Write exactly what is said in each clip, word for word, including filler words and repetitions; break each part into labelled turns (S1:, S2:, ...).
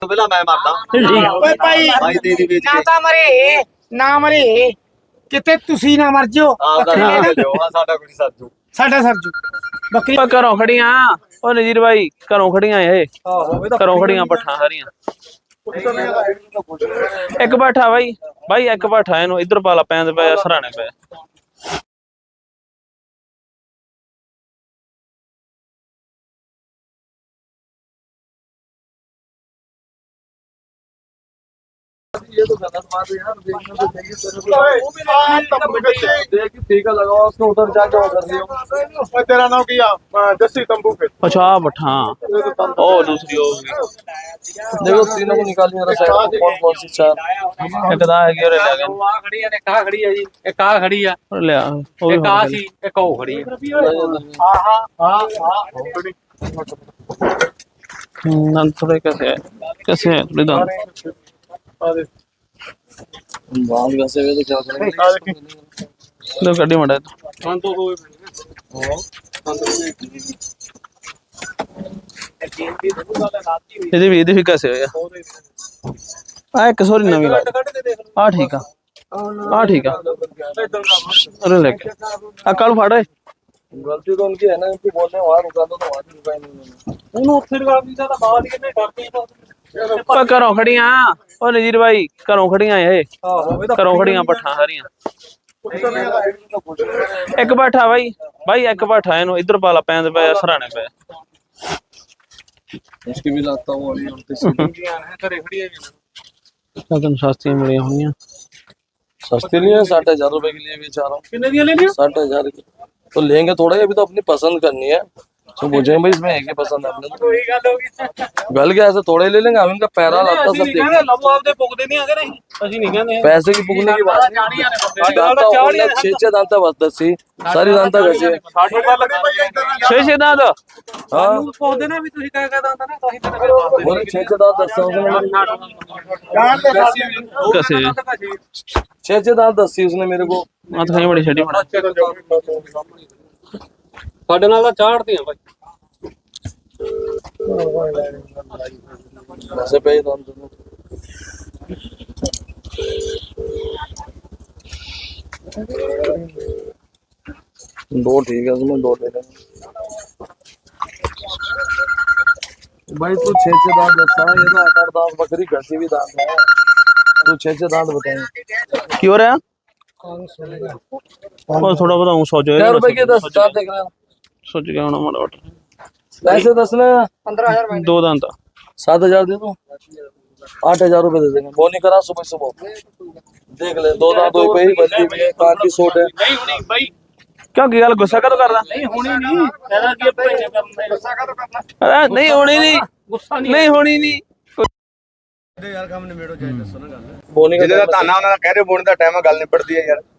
S1: ਪਹਿਲਾਂ ਮੈਂ ਮਰਦਾ
S2: ਓਏ ਭਾਈ
S1: ਭਾਈ ਤੇਰੀ ਵੇਚ
S2: ਨਾ
S1: ਕੇ
S2: ਤਾਂ ਮਰੇ ਨਾ ਮਰੇ ਕਿਤੇ ਤੁਸੀਂ ਨਾ ਮਰ ਜਿਓ
S1: ਆਪਦਾ
S2: ਬੱਕਰੀ
S1: ਨਾਮ
S2: ਲੈ
S1: ਲਿਓ ਆ ਸਾਡਾ ਕੋਈ ਸਰਜੂ
S2: ਸਾਡਾ ਸਰਜੂ ਬੱਕਰੀ
S3: ਆਪਾਂ ਘਰੋਂ ਖੜੀਆਂ ਉਹ ਨਜੀਰ ਭਾਈ ਘਰੋਂ ਖੜੀਆਂ ਇਹ ਘਰੋਂ ਖੜੀਆਂ ਪੱਠਾਂ ਸਾਰੀਆਂ ਇੱਕ ਪੱਠਾ ਬਾਈ ਬਾਈ ਇੱਕ ਪੱਠਾ ਇਹਨੂੰ ਇੱਧਰ ਪਾਲਾ ਪੈਂਦੇ ਪਿਆ ਸਰਾਣੇ ਪਿਆ
S4: ये तो गलत बात है यार, देखने तो चाहिए देख टीका लगाओ उसको उधर जाके ऑर्डर दियो। तेरा नाम क्या? जस्सी तंबू पे।
S3: अच्छा पठा ओ दूसरी हो गई
S4: देखो तीनों को निकाल मेरा साइड कौन कौन सी चार
S3: एक दा है कि रे ले गए
S5: ਆ ਖੜੀ ਆ ਨੇ ਕਾ ਖੜੀ ਆ ਜੀ ਇੱਕ ਆ ਖੜੀ ਆ
S3: और ले ओ
S5: ਇੱਕ ਆ ਸੀ ਇੱਕ ਉਹ ਖੜੀ ਆ
S3: दांत थोड़े कैसे है कैसे है थोड़े दांत
S4: बाल वैसे वे तो क्या करेंगे
S3: लो गड्डी मड़ा
S5: ਹਾਂ ਤੋਂ ਹੋਏ
S3: ਇਹਦੇ ਵੀ ਇਹਦੇ ਵੀ कैसे ਹੋਇਆ ਆ ਇੱਕ ਸੋਰੀ ਨਵੀਂ ਲਾ ਆ ਠੀਕ ਆ ਆ ਠੀਕ ਆ ਅਰੇ ਲੈ ਕੇ ਆ ਕੱਲ ਫੜ ਓਏ
S4: गलती तो उनकी है ना, उनको बोलने वहां रुका दो तो वहां भी रुका ही नहीं।
S5: ਉਹਨੂੰ ਉੱਥੇ ਲਗਾ ਦਿੱਤਾ ਤਾਂ ਬਾਅਦ ਇਹਨੇ ਡਰਦੇ
S3: ਓ ਘਰੋਂ ਖੜੀਆਂ ਓ ਨਜੀਰ ਭਾਈ ਘਰੋਂ ਖੜੀਆਂ ਇਹ ਘਰੋਂ ਖੜੀਆਂ ਪੱਠਾਂ ਸਾਰੀਆਂ ਇੱਕ ਪੱਠਾ ਬਾਈ ਬਾਈ ਇੱਕ ਪੱਠਾ ਇਹਨੂੰ ਇੱਧਰ ਪਾਲਾ ਪੈਂਦੇ ਪਿਆ ਸਰਾਣੇ ਪਿਆ
S4: उसकी भी लाता हूँ अभी उनके से
S5: ਘਰੇ ਖੜੀ ਆ
S3: ਤੈਨੂੰ ਸਸਤੀਆਂ ਮਿਲੀਆਂ ਹੋਣੀਆਂ
S4: सस्ते नहीं है, साठ हजार रुपए के लिए बेच रहा हूँ।
S5: ਕਿੰਨੇ ਦੀਆਂ ਲੈਣੀਆਂ
S4: साठ हजार की तो लेंगे थोड़ा ही, अभी तो अपनी पसंद करनी है तो पूछेंगे भाई इसमें एक ही पसंद है अपने तो
S5: ਉਹੀ ਗੱਲ ਹੋ ਗਈ
S4: गल के ऐसे थोड़े ले लेंगे, हम इनका पैरा लाता सब
S5: ਕਹਿੰਦੇ
S4: देंगे।
S5: ਲਵੋ ਆਪਦੇ ਪੁੱਗਦੇ ਨਹੀਂ ਆਗੇ ਨਹੀਂ ਅਸੀਂ ਨਹੀਂ ਕਹਿੰਦੇ
S4: पैसे की पुगने की बात
S5: ਚਾੜੀਆਂ ਨੇ ਬੰਦੇ
S4: नहीं। दांता उन्हें छह छह दांता बस दसी सारी दांता कैसे
S5: ਸਾਡੇ ਗੱਲ ਲੱਗਾ
S3: ਛੇ ਛੇ ਦਾ
S4: हाँ
S5: ਸਾਨੂੰ ਪੁੱਗਦੇ ਨਾ ਵੀ ਤੁਸੀਂ ਕਹਿ ਕਹਿ ਦਾਂਦਾ ਨਾ ਤਾਂ ਹੀ ਤਾਂ
S4: बोले छह छह दांत दस
S3: कैसे
S4: छह छह दांत दसी उसने मेरे को।
S3: ਆ ਤਾਂ ਬੜੀ ਛੱਡੀ ਬਣਾ
S5: ਸਾਡੇ ਨਾਲ ਤਾਂ ਚਾੜਦੀਆਂ ਬਾਈ
S4: वैसे पे ही दांत दोनों। दो ठीक है, उसमें दो ले लेंगे भाई। तू छह छह दांत दसा, ये तो आठ आठ दांत बकरी घसी भी दांत है, तू छह छह दांत बताए
S3: ਕੀ ਹੋ ਰਿਹਾ ਉਹ थोड़ा बहुत हूं सोच
S4: क्या रुपए के दस दांत देख रहे हो?
S3: सोच गया होना माड़ा मोटा
S4: पैसे दस ना
S2: पंद्रह हजार
S3: दो दांत
S4: सात हजार दे दो, आठ हजार रुपए दे देंगे। वो नहीं करा सुबह सुबह देख ले, दो दांत हुई पे ही बल्ली भी है, कान की सोट है।
S5: ਨਹੀਂ ਹੁਣੀ ਬਾਈ
S3: क्यों की गल गुस्सा कदों करदा
S5: ਨਹੀਂ ਹੁਣੀ ਨਹੀਂ ਇਹਦਾ ਕੀ ਭਾਈ ਕਰਨਾ ਗੁੱਸਾ ਕਦੋਂ ਕਰਨਾ
S3: अरे नहीं होनी नहीं
S5: ਗੁੱਸਾ ਨਹੀਂ
S3: नहीं होनी नहीं
S1: ਯਾਰ ਕੰਮ ਨਿਬੇੜੋ ਜਾਈ ਦੱਸੋ ਨਾ ਗੱਲ
S4: वो नहीं
S1: ਜਿਹਦੇ ਦਾ
S4: करना
S1: ਧਾਨਾ ਉਹਨਾਂ ਦਾ ਕਹਿ ਰਹੇ ਬੋਣ ਦਾ ਟਾਈਮ ਆ ਗੱਲ ਨਿਬੜਦੀ ਹੈ ਯਾਰ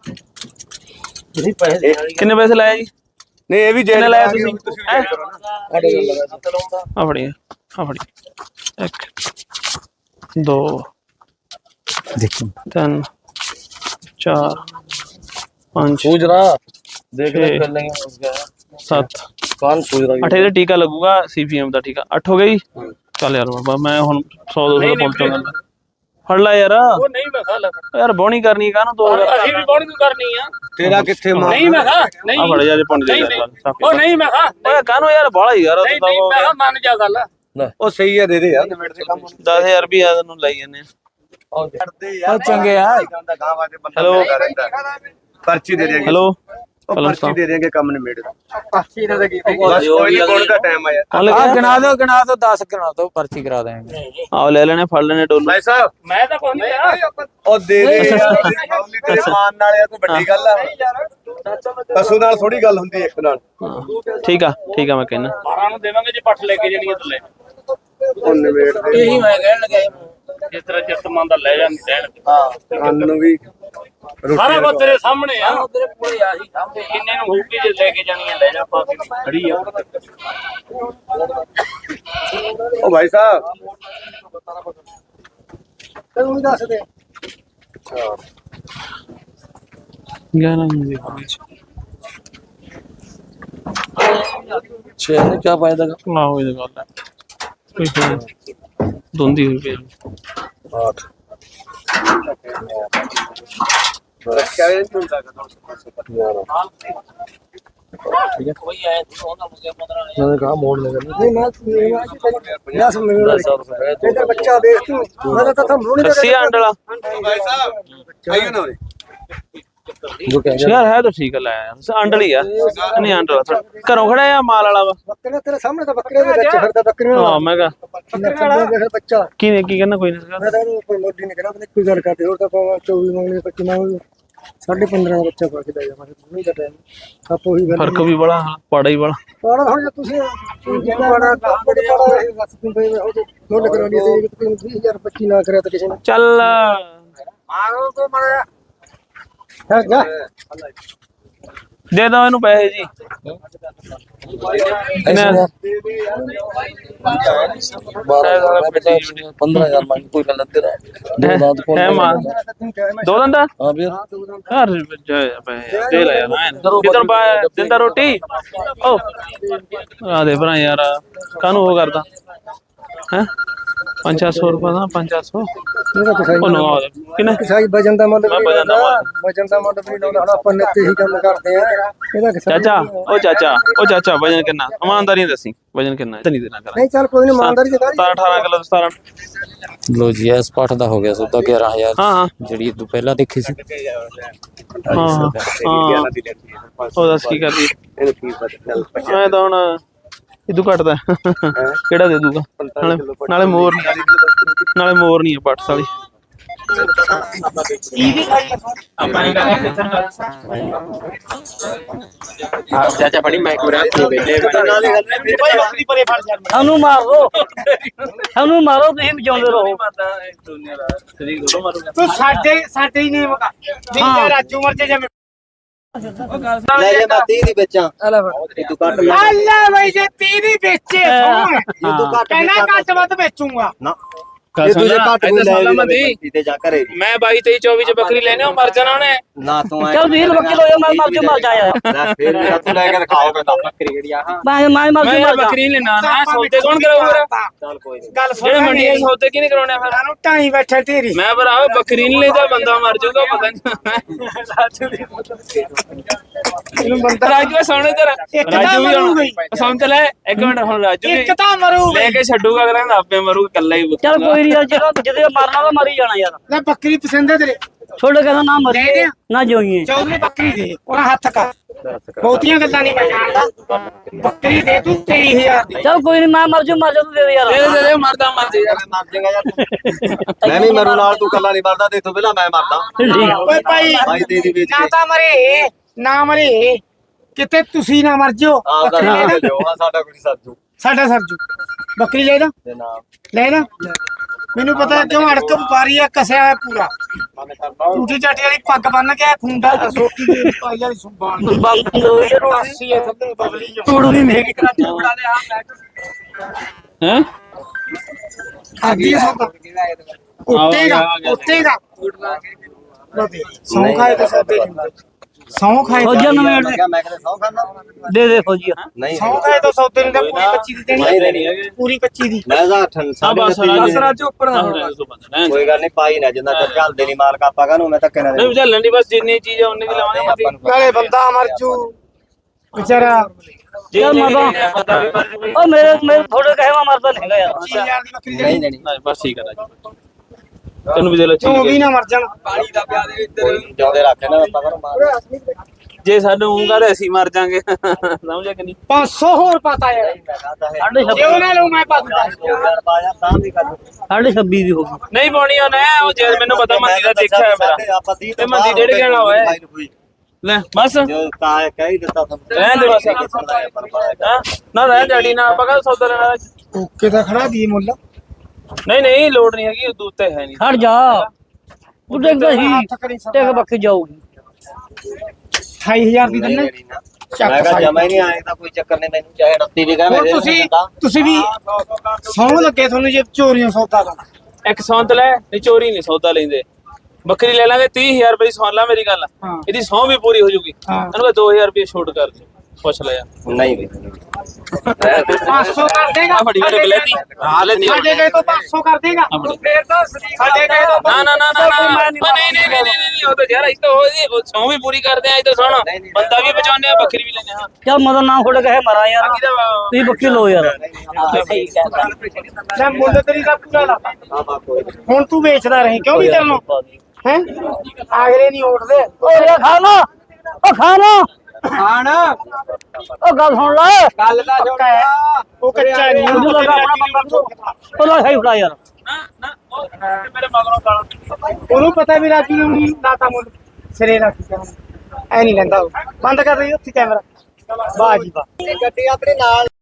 S3: किन्ने पैसे लाए जी
S1: ਨਹੀਂ ਇਹ ਵੀ
S3: किन्ने लाया तुसी
S1: ਤੁਸੀਂ
S3: हैं?
S4: आठ हजार लगा दो।
S3: आ फड़ी आ फड़ी एक दो तीन चार पाँच
S4: सूझ रहा देख ले
S3: छह,
S4: कर लेंगे उसका
S3: सत्त
S4: कान सूझ रहा
S3: अठ ਇਹਦਾ ਟੀਕਾ ਲੱਗੂਗਾ ਸੀਪੀਐਮ ਦਾ ਟੀਕਾ ਅੱਠ ਹੋ ਗਈ ਚੱਲ ਯਾਰ ਬਾਬਾ ਮੈਂ ਹੁਣ ਸੌ ਦੋ ਸੌ ਪਹੁੰਚਾਂਗਾ ਫੜ ਲੈ ਯਾਰ
S5: ਉਹ ਨਹੀਂ ਮੈਂ ਖਾ ਲਾ
S3: ਯਾਰ ਬੋਣੀ ਕਰਨੀ ਕਾਹਨੂੰ ਦੋ ਹਜ਼ਾਰ
S5: ਅਸੀਂ ਵੀ ਬੋਣੀ ਨੂੰ ਕਰਨੀ ਆ
S1: ਤੇਰਾ ਕਿੱਥੇ ਮਾਂ
S5: ਨਹੀਂ ਮੈਂ ਖਾ ਨਹੀਂ
S3: ਆ ਫੜ ਯਾਰ ਪੰਜ ਦੇ
S5: ਨਹੀਂ, ਉਹ ਨਹੀਂ ਮੈਂ ਖਾ
S3: ਓਏ ਕਾਹਨੂੰ ਯਾਰ ਬਾਲਾ ਹੀ ਯਾਰ
S5: ਨਹੀਂ ਨਹੀਂ ਮੈਂ ਕਿਹਾ ਮੰਨ ਜਾ ਗੱਲ
S1: ਉਹ ਸਹੀ ਹੈ ਦੇ ਦੇ ਯਾਰ ਨਿਬੇੜ ਦੇ ਕੰਮ
S3: ਦਸ ਹਜ਼ਾਰ ਰੁਪਏ ਤੈਨੂੰ ਲਾਈ ਜਾਂਦੇ ਆ
S1: ਕਰਦੇ ਯਾਰ ਚੰਗੇ ਆ ਗਾਂ ਵਾਜੇ ਬੰਦਾ
S3: ਹੈਲੋ।
S1: ਪਰਚੀ ਦੇ ਦੇਗੇ
S3: ਹੈਲੋ
S1: ਉਹ ਪਰਚੀ ਦੇ ਦੇਗੇ ਕੰਮ ਨਿਬੇੜ
S2: पक्षी ने लगी
S1: ਬਸ ਕੋਈ ਨਹੀਂ ਬੋਣ ਦਾ ਟਾਈਮ ਆ ਯਾਰ
S3: ਕੌਣ ਲੱਗਿਆ
S6: गिना दो गिना दो दस गिना दो पर्ची करा देंगे।
S3: ਆਓ ਲੈ ਲੈਣੇ ਫੜ ਲੈਣੇ ਡੋਲੂ
S1: ਭਾਈ ਸਾਹਿਬ
S5: ਮੈਂ ਤਾਂ ਕੋਈ ਨਹੀਂ ਕਿਹਾ
S1: ਉਹ ਦੇ ਦੇ ਯਾਰ ਫੌਲੀ ਤੇਰੇ ਮਾਨ ਨਾਲ ਆ ਕੋਈ ਵੱਡੀ ਗੱਲ ਆ ਪਸ਼ੂ ਨਾਲ ਥੋੜੀ ਗੱਲ ਹੁੰਦੀ ਇੱਕ ਨਾਲ
S3: ਹਾਂ, ਠੀਕ ਆ ਠੀਕ ਆ ਮੈਂ ਕਹਿੰਦਾ
S5: ਬਾਰਾਂ ਨੂੰ ਦੇਵਾਂਗੇ ਜੇ ਪੱਠ ਲੈ ਕੇ ਜਾਣੀਆਂ ਤਾਂ ਲੈ
S1: ਉਹ ਨਿਬੇੜ ਦੇ
S5: ਇਹੀ ਮੈਂ ਕਹਿਣ ਲੱਗਾ ਜਿਸ ਤਰ੍ਹਾਂ ਚਿੱਤ ਮੰਨ ਦਾ ਲੈ ਜਾਂਦੀ ਰਹਿਣ
S1: ਹਾਂ ਕੰਨ ਨੂੰ ਵੀ
S5: ਸਾਰਾ ਕੁਝ ਤੇਰੇ ਸਾਹਮਣੇ ਆ ਤੇਰੇ ਕੋਲੇ ਆ ਸੀ ਸਾਹਮਣੇ ਇੰਨੇ ਨੂੰ ਹੋਊਗੀ ਜੇ ਲੈ ਕੇ ਜਾਣੀਆਂ ਲੈ ਜਾ ਪਾ ਕੇ ਖੜੀ ਆ
S1: ਉਹ ਭਾਈ ਸਾਹਿਬ
S2: तू दस दे
S3: ग्यारह मुझे पाँच
S4: छह में क्या फायदा का
S3: ना हो ये गल है कोई ਦੋਂਦੀ ਹੋਈ ਪਈ
S4: आठ
S1: ਰੱਖਿਆ ਇਹ ਨਹੀਂ ਹੁੰਦਾ
S4: मैंने कहा मोड़ लेगा
S1: नहीं मैं दस मिनट
S4: दस हजार रुपए है
S1: इधर बच्चा देख तू मैं तो था रोने
S3: अस्सी आंट वाला
S1: भाई साहब चाहिए ना रे
S4: जो कहेंगे
S3: यार है तो ठीक है लाया आंट वाली है नहीं आंट वाला घरों खड़ा है माल वाला वा
S1: बकरे तेरे सामने तो बकरे के बच्चे फिरदा बकरे
S3: हां मैं कहा
S1: बच्चा
S3: की ने की कहना कोई नहीं
S1: मैं तो कोई मोटी नहीं करा कोई गल करते और तो चौबीस मांगने पच्चीस मांगने साढ़े पंद्रह का बच्चा पाके दे मैं नहीं कर टाइम आप वही
S3: फर्क भी बड़ा पड़ा ही बड़ा
S1: पड़ा हो जा तुसी जितना बड़ा बड़े बड़ा बस तुम भाई हो तो मोड़ करानी थी कि तुम बीस हजार पच्चीस ना करे तो किसी ने
S3: चल
S1: मारो तो मर है जा
S3: दे दो इन्हों पैसे जी
S4: पंद्रह हजार मांगी कोई गलत दे रहा है दो दांत कौन
S3: है मां दो दंदा
S4: हाँ भैया
S3: यार जय पैसे दे ले यार किधर पा दिंदा रोटी ओ आ दे भरा यार कानू वो करदा हैं पचास सौ रुपया ना पचास सौ ओ नो किने
S1: किसाई वजन दा मुੱਲ
S3: ਮੈਂ ਵਜਨ ਦਾ ਮੁੱਲ।
S1: ਵਜਨ ਦਾ ਮੁੱਲ ਵੀ ਲਾਉਂਦਾ ਹੁਣ ਆਪਾਂ ਨੇ ਤੇ ਹੀ ਕੰਮ ਕਰਦੇ ਆ ਇਹਦਾ ਕਿਸਾਈ
S3: ਚਾਚਾ ओ चाचा ओ चाचा वजन कितना ईमानदारी दसी वजन कितना है नहीं देना करा
S1: ਨਹੀਂ ਚੱਲ ਕੋਈ ਨਹੀਂ ਇਮਾਨਦਾਰੀ ਦੀ ਗੱਲ
S3: अठारह किलो सतारह
S6: ਲੋ ਜੀ ਇਸ ਪਾਠ ਦਾ ਹੋ ਗਿਆ ਸੌਦਾ ਗਿਆਰਾਂ ਹਜ਼ਾਰ
S3: हाँ हाँ
S6: ਜਿਹੜੀ ਤੂੰ ਪਹਿਲਾਂ ਦੇਖੀ ਸੀ
S3: हाँ हाँ ओ दस की कर दी
S1: ਇਹਨੂੰ ਕੀ ਪਤਾ ਚੱਲ
S3: मैं तो हुन इदू घटदा केड़ा दे दूगा नाले नाले मोर नहीं नाले मोर नहीं है पट्स वाली
S5: ਚਾਚਾ ਫੜੀ ਮੈਂ ਕੋਰਾ ਤੇ ਬੈਠੇ
S7: ਸਾਨੂੰ ਮਾਰੋ ਸਾਨੂੰ ਮਾਰੋ ਤੁਸੀਂ ਬਚਾਉਂਦੇ ਰਹੋ
S2: ਤੂੰ ਸਾਡੇ ਸਾਡੇ ਹੀ ਨਹੀਂ ਮਗਾ ਜਿੰਨੇ ਰਾਜੂ ਮਰਜੇ ਜਿਵੇਂ
S1: ਲੈ ਜੇ ਮੈਂ ਤੀਹ ਦੀ ਵੇਚਾਂ ਤੂੰ ਕੱਟ ਲੈ
S2: ਅੱਲਾ ਬਈ ਜੇ ਤੀਰੀ ਵੇਚੇ ਸੋਹਣ ਕਹਿੰਦਾ ਘੱਟ ਵੱਧ ਵੇਚੂਗਾ
S1: ਨਾ ਇਹ ਤੁਝੇ ਘੱਟ ਕੋਈ ਲੈ ਲੈ ਤੇ ਜਾ ਕਰੇ
S5: ਮੈਂ ਬਾਈ ਤੇਈ ਚੌਵੀ ਚ ਬੱਕਰੀ ਲੈਣੇ ਉਹ ਮਰ ਜਾਣਾ ਉਹਨੇ
S1: ਨਾ ਤੂੰ ਐ
S7: ਚੱਲ ਵੀਰ ਬੱਕੇ ਲੋ ਮੈਂ ਮਰ ਜਾ ਮਰ ਜਾ ਯਾਰ
S1: ਲੈ ਫੇਰ ਮੇਰਾ ਤੂੰ ਲੈ ਕੇ ਦਿਖਾਓਗੇ ਤਾਂ
S5: ਬੱਕਰੀ ਜਿਹੜੀ ਆ
S7: ਮੈਂ ਮੈਂ ਮਰ
S5: ਮੈਂ
S7: ਜਾ
S5: ਯਾਰ
S7: ਮਰ ਜਾ
S5: ਬੱਕਰੀ ਲੈਣਾ ਨਾ ਸੌਦੇ ਕੌਣ ਕਰਾਊਗਾ
S1: ਚੱਲ ਕੋਈ ਨਹੀਂ
S2: ਗੱਲ ਸੁਣ
S5: ਜਿਹੜੇ ਮੰਡੀਆਂ 'ਚ ਸੌਦੇ ਕਿਹਨੇ ਕਰਾਉਣੇ ਆ ਫਿਰ
S2: ਸਾਨੂੰ ਢਾਈ ਬੈਠਾ ਢੇਰੀ
S5: ਮੈਂ ਭਰਾ ਬੱਕਰੀ ਨਹੀਂ ਲੈਦਾ ਬੰਦਾ ਮਰ ਜਾਊਗਾ ਪਤਾ ਨਹੀਂ ਰਾਜੂ ਦੀ
S2: ਇਹਨੂੰ ਬੰਦਾ
S5: ਰਾਜੂ ਸੋਹਣੇ ਤੇਰਾ
S2: ਇੱਕ ਤਾਂ
S5: ਰਾਜੂ ਵੀ
S2: ਮਰੂਗਾ ਹੀ।
S5: ਹੁਣ ਸੁਣ ਤੇ ਲੈ ਇੱਕ ਮਿੰਟ ਹੁਣ ਰਾਜੂ ਵੀ
S2: ਇੱਕ ਤਾਂ ਮਰੂਗਾ
S5: ਲੈ ਕੇ ਛੱਡੂਗਾ ਅਗਲਾ ਕਹਿੰਦਾ ਆਪੇ ਮਰੂ ਇਕੱਲਾ ਹੀ
S7: ਚੱਲ ਕੋਈ ਨਹੀਂ ਜਿਹੜਾ ਜਿਹਦੇ ਮਰਨਾ ਤਾਂ ਮਰ ਹੀ ਜਾਣਾ ਯਾਰ
S2: ਲੈ ਬੱਕਰੀ ਪਸੰਦ ਹੈ ਤੇਰੇ
S7: ਛੋੜ ਕਹਿੰਦਾ ਨਾ
S2: ਦੇ
S7: ਮਰੀਏ
S2: ਦਿਆਂ।
S7: ਨਾ ਜੋਈਏ
S2: ਚੌਧਰੀ ਬੱਕਰੀ ਦੇ ਉਹਨਾਂ ਹੱਥ ਕਰ ਬਹੁਤੀਆਂ ਗੱਲਾਂ ਨਹੀਂ ਮੈਂ ਜਾਣਦਾ ਬੱਕਰੀ ਦੇ ਤੂੰ ਤੇਈ ਹਜ਼ਾਰ ਦੀ
S7: ਚੱਲ ਕੋਈ ਨਹੀਂ ਮੈਂ ਮਰ ਜਾ ਮਰ ਜਾ ਤੂੰ ਦੇ ਦੇ ਯਾਰ
S5: ਦੇ ਦੇ ਦੇ ਮਰਦਾ ਮਰ ਜੇ ਯਾਰ
S1: ਮਰ ਜਾਏਗਾ ਯਾਰ ਤੂੰ ਮੈਂ ਵੀ ਮਰੂ ਨਾਲ ਤੂੰ ਕੱਲਾ ਨਹੀਂ ਮਰਦਾ ਤੇ ਇਥੋਂ ਪਹਿਲਾਂ ਮੈਂ ਮਰਦਾ
S7: ਠੀਕ
S2: ਓਏ ਭਾਈ
S1: ਭਾਈ ਦੇ ਦੀ ਵੇਚ
S2: ਨਾ
S1: ਕੇ
S2: ਤਾਂ ਮਰੇ ਨਾ ਮਰੇ ਕਿਤੇ ਤੁਸੀਂ ਨਾ ਮਰ ਜਿਓ
S1: ਆਪਦਾ
S2: ਬੱਕਰੀ ਲੈ
S1: ਨਾਮ
S2: ਨਾ
S1: ਲਿਓ ਹਾਂ ਸਾਡਾ ਕੋਈ ਸਾਜੂ
S2: ਸਾਡਾ ਸਰਜੂ ਬੱਕਰੀ ਲੈ ਨਾ
S1: ਦੇ ਨਾਮ
S2: ਲੈ ਨਾ ਮੈਨੂੰ ਪਤਾ ਕਿਉਂ ਅੜਕ ਵਪਾਰੀ ਆ ਕਸਿਆ ਹੋਇਆ ਪੂਰਾ ਟੂਟੀ ਚਾਟੀ ਵਾਲੀ ਪੱਗ ਬੰਨ ਕੇ ਖੁੰਡਾ ਸੋਟੀ ਦੀ ਪਾਈ ਵਾਲੀ ਸੁਬਾਨ
S7: ਬੰਦ ਹੋ ਯਾਰ ਹੁਣ
S2: ਅੱਸੀ ਐ ਥੱਲੇ ਬਬਲੀ ਜੋ
S7: ਟੂੜ ਵੀ ਮੇਰੀ
S2: ਕਰਾਚੀ ਬਣਾ ਦੇ ਆ
S3: हैं
S2: ਖਾਦੀ ਸੌਦਾ ਉੱਤੇਗਾ ਉੱਤੇਗਾ ਸੌਂ ਖਾਏ ਤਾਂ ਸੌਦੇ ਨਹੀਂ ਸੌਂ ਖਾਏ
S7: ਫੌਜੀਆਂ ਨੂੰ ਮੇੜ ਦੇ
S1: ਮੈਂ ਕਹਿੰਦਾ ਸੌ ਖਾਣਾ
S7: ਦੇ ਦੇ ਫੌਜੀਆ
S1: ਨਹੀਂ
S2: ਸੌਂ ਖਾਏ ਤਾਂ ਸੌਦੇ ਨਹੀਂ ਤਾਂ ਪੂਰੀ ਪੱਚੀ ਦੀ
S1: ਨਹੀਂ
S2: ਦੇਣੀ
S1: ਦੇਣੀ
S2: ਪੂਰੀ ਪੱਚੀ ਦੀ
S1: ਮੈਂ ਜਾ ਠੰਡ
S3: हाँ
S1: ਸਾਡੇ
S3: बस
S1: ਨੱਤੀ
S3: राजू ऊपर नहीं
S1: ਕੋਈ ਗੱਲ ਨਹੀਂ ਪਾਈ ਨਾ ਜਿੰਨਾ ਚਿਰ ਚੱਲਦੇ ਨਹੀਂ ਮਾਲਕ ਆਪਾਂ ਕਾਹਨੂੰ ਮੈਂ ਧੱਕੇ ਨਾਲ
S3: चलन दी बस जितनी चीज है उन्नी की लवांगे
S2: ਨਾਲੇ ਬੰਦਾ ਮਰ ਜੂ ਵਿਚਾਰਾ
S7: ਚੱਲ ਮਰਦਾ ਉਹ ਮੇਰੇ ਮੇਰੇ ਥੋੜੇ ਕਹੇ ਮੈਂ ਮਰਦਾ ਨਹੀਂ ਹੈਗਾ ਯਾਰ
S2: ਪੱਚੀ ਹਜ਼ਾਰ ਦੀ ਬੱਕਰੀ
S1: ਨਹੀਂ
S2: ਦੇਣੀ
S1: ਦੇਣੀ
S3: बस ठीक है राजू तेन भी दे लो
S2: ਤੂੰ ਵੀ ਨਾ ਮਰ ਜਾਣ
S1: ਜਿਉਂਦੇ ਰੱਖੇ ਨਾ ਆਪਾਂ ਕਰ ਮਾਰ
S3: जे सानू करे ਅਸੀਂ ਮਰ ਜਾਾਂਗੇ ਸਮਝਿਆ ਕਿ ਨਹੀਂ
S2: ਪੰਜ ਸੌ ਹੋਰ ਪਤਾ ਯਾਰ
S7: ਸਾਢੇ
S2: ਜੇ ਉਹਨਾਂ ਨੂੰ ਮੈਂ ਪਾ ਦੂੰਗਾ
S1: ਤਾਂ ਵੀ ਕਰ
S7: ਸਾਢੇ ਛੱਬੀ ਦੀ ਹੋ ਗਈ
S5: ਨਹੀਂ ਪਾਉਣੀ ਉਹਨੇ ਉਹ ਜੇ ਮੈਨੂੰ ਪਤਾ ਮੰਦੀ ਦਾ ਦੇਖਿਆ ਹੈ ਮੇਰਾ
S1: ਆਪਾਂ ਤੀਹ
S5: ਤੇ ਮੰਦੀ ਡੇਢ ਗੇਣਾ ਹੋਇਆ ਲੈ ਬਸ
S1: ਜੋ ਕਾ ਕਹਿ ਦਿੱਤਾ ਤੁਹਾਨੂੰ
S5: ਰਹਿਣ ਦੇ ਬਸ ਹਾਂ ਨਾ ਰਹਿਣ ਜੜੀ ਨਾ ਆਪਾਂ ਕਾ ਸੌਦਾ ਲੈਣਾ
S2: ਓਕੇ ਤਾਂ ਖੜਾ ਦੀ ਮੁੱਲ
S5: ਨਹੀਂ ਨਹੀਂ ਲੋੜ ਨਹੀਂ ਹੈਗੀ ਉਦੋਂ ਉੱਤੇ ਹੈ ਨਹੀਂ
S7: ਹਟ ਜਾ ਤੂੰ ਦੇਖਦਾ ਸੀ ਟੇਕ ਬੱਕੀ ਜਾਊਗੀ
S2: ਅਠਾਈ ਹਜ਼ਾਰ ਦੀ ਦਿੰਨੇ
S1: ਮੈਂ
S2: ਚੱਕ
S1: ਕਿਹਾ
S2: ਸਾਈ
S1: ਜਮਾ ਹੀ ਨਹੀਂ ਆਏਗਾ ਕੋਈ ਚੱਕਰ ਨਹੀਂ ਮੈਨੂੰ ਚਾਹੇ ਰੱਤੀ ਵੀ ਕਹੇ
S2: ਹੁਣ ਤੁਸੀਂ ਤੁਸੀਂ ਵੀ ਸੌਂ ਲੱਗੇ ਤੁਹਾਨੂੰ ਜੇ ਚੋਰੀਆਂ ਸੌਦਾ ਦਾ
S5: ਇੱਕ ਸੌਂਤ ਲੈ ਨਹੀਂ ਚੋਰੀ ਨਹੀਂ ਸੌਦਾ ਲੈਂਦੇ ਬੱਕਰੀ ਲੈ ਲਾਂਗੇ ਤੀਹ ਹਜ਼ਾਰ ਰੁਪਏ ਦੀ ਸੌਂ ਲਾ ਮੇਰੀ ਗੱਲ
S2: ਹਾਂ।
S5: ਇਹਦੀ ਸੌਂ ਵੀ ਪੂਰੀ ਹੋ ਜੂਗੀ
S2: ਹਾਂ।
S5: ਇਹਨੂੰ ਦੋ ਹਜ਼ਾਰ ਰੁਪਏ ਛੋਟ ਕਰ ਦੇ ਪੁੱਛ ਲੈ ਯਾਰ
S1: ਨਹੀਂ ਵੀ
S2: ਪੰਜ ਸੌ ਕਰ ਦੇਗਾ
S3: ਬੜੀ ਬੜੀ ਬਲੇਤੀ ਹਾਂ ਲੈਤੀ
S2: ਸਾਡੇ ਗਏ ਤੋਂ ਪੰਜ ਸੌ ਕਰ ਦੇਗਾ ਫੇਰ ਤਾਂ ਸਾਡੇ ਗਏ ਤੋਂ
S3: ਨਾ ਨਾ ਨਾ ਨਾ ਨਾ ਨਹੀਂ ਨਹੀਂ ਨਹੀਂ ਨਹੀਂ ਉਹ ਤਾਂ ਯਾਰ ਇਸ ਤਾਂ ਉਹ ਸੌ ਵੀ ਪੂਰੀ ਕਰਦੇ ਆ ਇਹ ਤਾਂ ਸੁਣ ਬੰਦਾ ਵੀ ਬਚਾਉਂਦੇ ਆ ਬੱਕਰੀ ਵੀ ਲੈਣੇ ਹਾਂ
S7: ਚੱਲ ਮਦਨ ਨਾਮ ਥੋੜੇ ਕਹੇ ਮਰਾ ਯਾਰ ਤੁਸੀਂ ਬੱਕੀ ਲੋ ਯਾਰ
S2: ਮੈਂ ਮੁੱਲ ਤੇਰੀ ਦਾ ਪੂਰਾ ਲਾ ਹੁਣ ਤੂੰ ਵੇਚਦਾ ਰਹੀ ਕਿਉਂ ਵੀ ਤੈਨੂੰ ਹੈ ਆਗਰੇ ਨਹੀਂ ਉੱਠਦੇ
S7: ਓ ਯਾਰ ਖਾ ਲੋ ਓ ਖਾ ਲੋ
S2: ਖਾਣ
S7: ਓ ਗੱਲ ਸੁਣ ਲੈ
S2: ਗੱਲ ਦਾ ਛੋਟਾ ਹੈ ਉਹ ਕੱਚਾ ਨਹੀਂ
S7: ਤੂੰ ਲਗਾ ਆਪਣਾ ਬੰਦਾ ਓ ਲੈ ਸਹੀ ਫੜਾ ਯਾਰ
S3: ਨਾ ਨਾ ਉਹ ਮੇਰੇ ਮਗਰੋਂ ਗਾਲਾਂ
S2: ਉਹਨੂੰ ਪਤਾ ਵੀ ਰਾਜੀ ਨੂੰ ਨਹੀਂ ਲਾਤਾ ਮੁੱਲ ਸਿਰੇ ਰੱਖ ਕੇ ਐ ਨਹੀਂ ਲੈਂਦਾ ਉਹ। ਬੰਦ ਕਰ ਰਹੀ ਉੱਥੇ ਕੈਮਰਾ ਵਾਹ ਜੀ ਵਾਹ
S1: ਗੱਡੀ ਆਪਣੇ ਨਾਲ